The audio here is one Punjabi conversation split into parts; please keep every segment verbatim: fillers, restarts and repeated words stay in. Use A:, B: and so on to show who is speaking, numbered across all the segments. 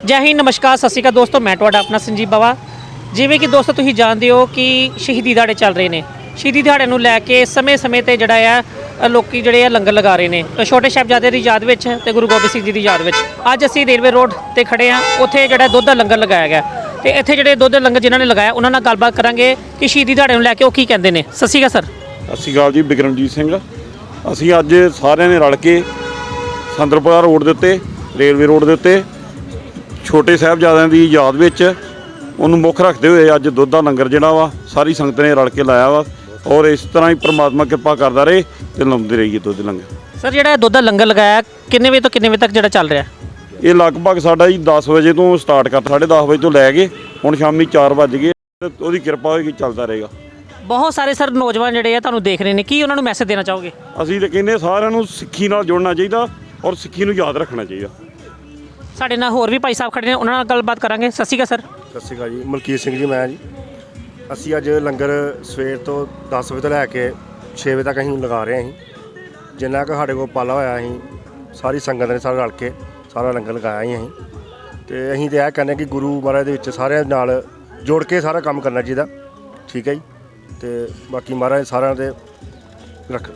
A: ਜੈ ਹਿੰਦ, ਨਮਸਕਾਰ, ਸਤਿ ਸ਼੍ਰੀ ਅਕਾਲ ਦੋਸਤੋ। ਮੈਂ ਤੁਹਾਡਾ ਆਪਣਾ ਸੰਜੀਵ ਬਾਵਾ। ਜਿਵੇਂ ਕਿ ਦੋਸਤੋ ਤੁਸੀਂ ਜਾਣਦੇ ਹੋ ਕਿ ਸ਼ਹੀਦੀ ਦਿਹਾੜੇ ਚੱਲ ਰਹੇ ਨੇ। ਸ਼ਹੀਦੀ ਦਿਹਾੜੇ ਨੂੰ ਲੈ ਕੇ ਸਮੇਂ-ਸਮੇਂ ਤੇ ਜਿਹੜਾ ਆ ਲੋਕੀ ਜਿਹੜੇ ਆ ਲੰਗਰ ਲਗਾ ਰਹੇ ਨੇ ਛੋਟੇ ਸਾਹਿਬਜ਼ਾਦੇ ਦੀ ਯਾਦ ਵਿੱਚ ਤੇ ਗੁਰੂ ਗੋਬਿੰਦ ਸਿੰਘ ਜੀ ਦੀ ਯਾਦ ਵਿੱਚ। ਅੱਜ ਅਸੀਂ ਰੇਲਵੇ ਰੋਡ ਤੇ ਖੜੇ ਆ, ਉੱਥੇ ਜਿਹੜਾ ਦੁੱਧ ਦਾ ਲੰਗਰ ਲਗਾਇਆ ਗਿਆ ਤੇ ਇੱਥੇ ਜਿਹੜੇ ਦੁੱਧ ਦਾ ਲੰਗਰ ਜਿਨ੍ਹਾਂ ਨੇ ਲਗਾਇਆ ਉਹਨਾਂ ਨਾਲ ਗੱਲਬਾਤ ਕਰਾਂਗੇ ਕਿ ਸ਼ਹੀਦੀ ਦਿਹਾੜੇ ਨੂੰ ਲੈ ਕੇ ਉਹ ਕੀ ਕਹਿੰਦੇ ਨੇ। ਸਤਿ ਸ਼੍ਰੀ ਅਕਾਲ ਸਰ।
B: ਸਤਿ ਸ਼੍ਰੀ ਅਕਾਲ ਜੀ, ਬਿਕਰਮਜੀਤ ਸਿੰਘ। ਅਸੀਂ ਅੱਜ ਸਾਰਿਆਂ ਨੇ ਰਲ ਕੇ ਸੰਦਰਪੁਰਾ ਰੋਡ ਦੇ ਉੱਤੇ, ਰੇਲਵੇ ਰੋਡ ਦੇ ਉੱਤੇ ਛੋਟੇ ਸਾਹਿਬਜ਼ਾਦਿਆਂ ਦੀ ਯਾਦ ਵਿੱਚ ਉਹਨੂੰ ਮੁੱਖ ਰੱਖਦੇ ਹੋਏ ਅੱਜ ਦੁੱਧ ਦਾ ਲੰਗਰ ਜਿਹੜਾ ਵਾ ਸਾਰੀ ਸੰਗਤ ਨੇ ਰਲ ਕੇ ਲਾਇਆ ਵਾ। ਔਰ ਇਸ ਤਰ੍ਹਾਂ ਹੀ ਪ੍ਰਮਾਤਮਾ ਕਿਰਪਾ ਕਰਦਾ ਰਹੇ ਤੇ ਲਾਉਂਦੇ ਰਹੀਏ ਦੁੱਧ ਲੰਗਰ।
A: ਸਰ ਜਿਹੜਾ ਦੁੱਧ ਦਾ ਲੰਗਰ ਲਗਾਇਆ ਕਿੰਨੇ ਵਜੇ ਤੋਂ ਕਿੰਨੇ ਵਜੇ ਤੱਕ ਜਿਹੜਾ ਚੱਲ ਰਿਹਾ?
B: ਇਹ ਲਗਭਗ ਸਾਡਾ ਜੀ ਦਸ ਵਜੇ ਤੋਂ ਸਟਾਰਟ ਕਰ ਸਾਢੇ ਦਸ ਵਜੇ ਤੋਂ ਲੈ ਕੇ ਹੁਣ ਸ਼ਾਮੀ ਚਾਰ ਵੱਜ ਗਏ। ਉਹਦੀ ਕਿਰਪਾ ਹੋਏਗੀ, ਚੱਲਦਾ ਰਹੇਗਾ।
A: ਬਹੁਤ ਸਾਰੇ ਸਰ ਨੌਜਵਾਨ ਜਿਹੜੇ ਆ ਤੁਹਾਨੂੰ ਦੇਖ ਰਹੇ ਨੇ, ਕੀ ਉਹਨਾਂ ਨੂੰ ਮੈਸੇਜ ਦੇਣਾ ਚਾਹੋਗੇ?
B: ਅਸੀਂ ਤਾਂ ਕਹਿੰਦੇ ਸਾਰਿਆਂ ਨੂੰ ਸਿੱਖੀ ਨਾਲ ਜੁੜਨਾ ਚਾਹੀਦਾ ਔਰ ਸਿੱਖੀ ਨੂੰ ਯਾਦ ਰੱਖਣਾ ਚਾਹੀਦਾ।
A: ਸਾਡੇ ਨਾਲ ਹੋਰ ਵੀ ਭਾਈ ਸਾਹਿਬ ਖੜੇ ਨੇ, ਉਹਨਾਂ ਨਾਲ ਗੱਲਬਾਤ ਕਰਾਂਗੇ। ਸਤਿ ਸ਼੍ਰੀ ਅਕਾਲ ਸਰ।
C: ਸਤਿ ਸ਼੍ਰੀ ਅਕਾਲ ਜੀ, ਮਲਕੀਤ ਸਿੰਘ ਜੀ ਮੈਂ ਜੀ। ਅਸੀਂ ਅੱਜ ਲੰਗਰ ਸਵੇਰ ਤੋਂ ਦਸ ਵਜੇ ਤੋਂ ਲੈ ਕੇ ਛੇ ਵਜੇ ਤੱਕ ਅਸੀਂ ਲਗਾ ਰਹੇ ਹਾਂ। ਅਸੀਂ ਜਿੰਨਾ ਕੁ ਸਾਡੇ ਕੋਲ ਪਾਲਾ ਹੋਇਆ ਅਸੀਂ ਸਾਰੀ ਸੰਗਤ ਨੇ ਸਾਰੇ ਰਲ ਕੇ ਸਾਰਾ ਲੰਗਰ ਲਗਾਇਆ ਹੀ ਅਸੀਂ। ਅਤੇ ਅਸੀਂ ਤਾਂ ਇਹ ਕਹਿੰਦੇ ਕਿ ਗੁਰੂ ਮਹਾਰਾਜ ਦੇ ਵਿੱਚ ਸਾਰਿਆਂ ਨਾਲ ਜੋੜ ਕੇ ਸਾਰਾ ਕੰਮ ਕਰਨਾ ਚਾਹੀਦਾ। ਠੀਕ ਹੈ ਜੀ। ਅਤੇ ਬਾਕੀ ਮਹਾਰਾਜ ਸਾਰਿਆਂ ਦੇ ਰੱਖ।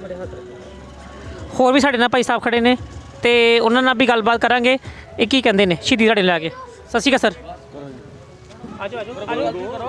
A: ਹੋਰ ਵੀ ਸਾਡੇ ਨਾਲ ਭਾਈ ਸਾਹਿਬ ਖੜੇ ਨੇ ਤੇ ਉਹਨਾਂ ਨਾਲ ਵੀ ਗੱਲਬਾਤ ਕਰਾਂਗੇ ਇਹ ਕੀ ਕਹਿੰਦੇ ਨੇ ਸ਼ਹੀਦੀ ਦਿਹਾੜੇ ਲੈ ਕੇ। ਸਤਿ ਸ਼੍ਰੀ ਅਕਾਲ ਸਰ। ਆਜੋ ਆਜੋ ਆਜੋ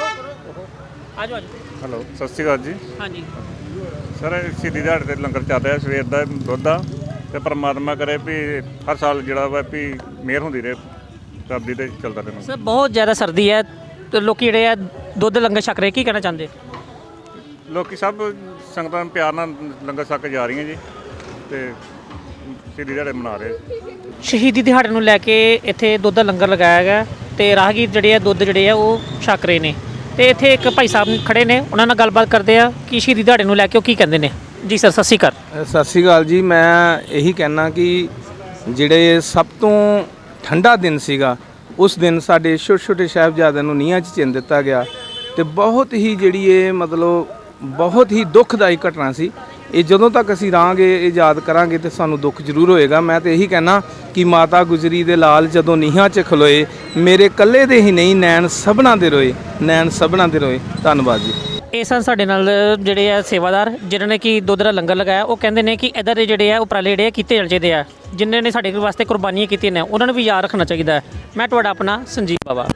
A: ਆਜੋ ਆਜੋ।
D: ਹੈਲੋ, ਸਤਿ ਸ਼੍ਰੀ ਅਕਾਲ ਜੀ।
A: ਹਾਂਜੀ
D: ਸਰ, ਸ਼ਹੀਦੀ ਦਿਹਾੜੇ 'ਤੇ ਲੰਗਰ ਚੱਲ ਰਿਹਾ ਸਵੇਰ ਦਾ ਦੁੱਧ ਦਾ, ਅਤੇ ਪਰਮਾਤਮਾ ਕਰੇ ਵੀ ਹਰ ਸਾਲ ਜਿਹੜਾ ਵਾ ਵੀ ਮਿਹਰ ਹੁੰਦੀ ਰਹੇ ਰੱਬ ਦੀ, ਤੇ ਚੱਲਦਾ ਰਹੇ।
A: ਸਰ ਬਹੁਤ ਜ਼ਿਆਦਾ ਸਰਦੀ ਹੈ ਤੇ ਲੋਕ ਜਿਹੜੇ ਆ ਦੁੱਧ ਲੰਗਰ ਛਕ ਰਹੇ, ਕੀ ਕਹਿਣਾ ਚਾਹੁੰਦੇ?
D: ਲੋਕੀ ਸਭ ਸੰਗਤਾਂ ਪਿਆਰ ਨਾਲ ਲੰਗਰ ਛਕ ਕੇ ਜਾ ਰਹੀਆਂ ਜੀ ਅਤੇ ਸ਼ਹੀਦੀ ਦਿਹਾੜੇ ਮਨਾ ਰਹੇ।
A: ਸ਼ਹੀਦੀ ਦਿਹਾੜੇ ਨੂੰ ਲੈ ਕੇ ਇੱਥੇ ਦੁੱਧ ਦਾ ਲੰਗਰ ਲਗਾਇਆ ਗਿਆ ਤੇ ਰਾਹਗੀਰ ਜਿਹੜੇ ਆ ਦੁੱਧ ਜਿਹੜੇ ਆ ਉਹ ਛਕ ਰਹੇ ਨੇ ਤੇ ਇੱਥੇ ਇੱਕ ਭਾਈ ਸਾਹਿਬ ਖੜੇ ਨੇ, ਉਹਨਾਂ ਨਾਲ ਗੱਲਬਾਤ ਕਰਦੇ ਆ ਕਿ ਸ਼ਹੀਦੀ ਦਿਹਾੜੇ ਨੂੰ ਲੈ ਕੇ ਉਹ ਕੀ ਕਹਿੰਦੇ ਨੇ। ਜੀ ਸਰ, ਸਤਿ ਸ਼੍ਰੀ ਅਕਾਲ।
E: ਸਤਿ ਸ਼੍ਰੀ ਅਕਾਲ ਜੀ। ਮੈਂ ਇਹੀ ਕਹਿਣਾ ਕਿ ਜਿਹੜੇ ਸਭ ਤੋਂ ਠੰਡਾ ਦਿਨ ਸੀਗਾ ਉਸ ਦਿਨ ਸਾਡੇ ਛੋਟੇ ਛੋਟੇ ਸਾਹਿਬਜ਼ਾਦਿਆਂ ਨੂੰ ਨੀਹਾਂ 'ਚ ਚਿਣ ਦਿੱਤਾ ਗਿਆ ਅਤੇ ਬਹੁਤ ਹੀ ਜਿਹੜੀ ਇਹ ਮਤਲਬ ਬਹੁਤ ਹੀ ਦੁੱਖਦਾਈ ਘਟਨਾ ਸੀ। ਇਹ ਜਦੋਂ ਤੱਕ ਅਸੀਂ ਰਹਾਂਗੇ ਇਹ ਯਾਦ ਕਰਾਂਗੇ ਤੇ ਸਾਨੂੰ ਦੁੱਖ ਜ਼ਰੂਰ ਹੋਏਗਾ। ਮੈਂ ਤਾਂ ਇਹੀ ਕਹਿਣਾ ਕਿ ਮਾਤਾ ਗੁਜਰੀ ਦੇ ਲਾਲ ਜਦੋਂ ਨੀਹਾਂ 'ਚ ਖਲੋਏ, ਮੇਰੇ ਇਕੱਲੇ ਦੇ ਹੀ ਨਹੀਂ ਨੈਣ ਸਭਨਾਂ ਦੇ ਰੋਏ, ਨੈਣ ਸਭਨਾਂ ਦੇ ਰੋਏ। ਧੰਨਵਾਦ ਜੀ।
A: ਇਹ ਸਨ ਸਾਡੇ ਨਾਲ ਜਿਹੜੇ ਆ ਸੇਵਾਦਾਰ ਜਿਨ੍ਹਾਂ ਨੇ ਕਿ ਦੁੱਧ ਦਾ ਲੰਗਰ ਲਗਾਇਆ। ਉਹ ਕਹਿੰਦੇ ਨੇ ਕਿ ਇੱਧਰ ਦੇ ਜਿਹੜੇ ਆ ਉਪਰਾਲੇ ਜਿਹੜੇ ਕੀਤੇ ਜਾਣੇ ਚਾਹੀਦੇ ਆ, ਜਿਨ੍ਹਾਂ ਨੇ ਸਾਡੇ ਵਾਸਤੇ ਕੁਰਬਾਨੀਆਂ ਕੀਤੀਆਂ ਨੇ ਉਹਨਾਂ ਨੂੰ ਵੀ ਯਾਦ ਰੱਖਣਾ ਚਾਹੀਦਾ ਹੈ। ਮੈਂ ਤੁਹਾਡਾ ਆਪਣਾ ਸੰਜੀਵ ਬਾਵਾ।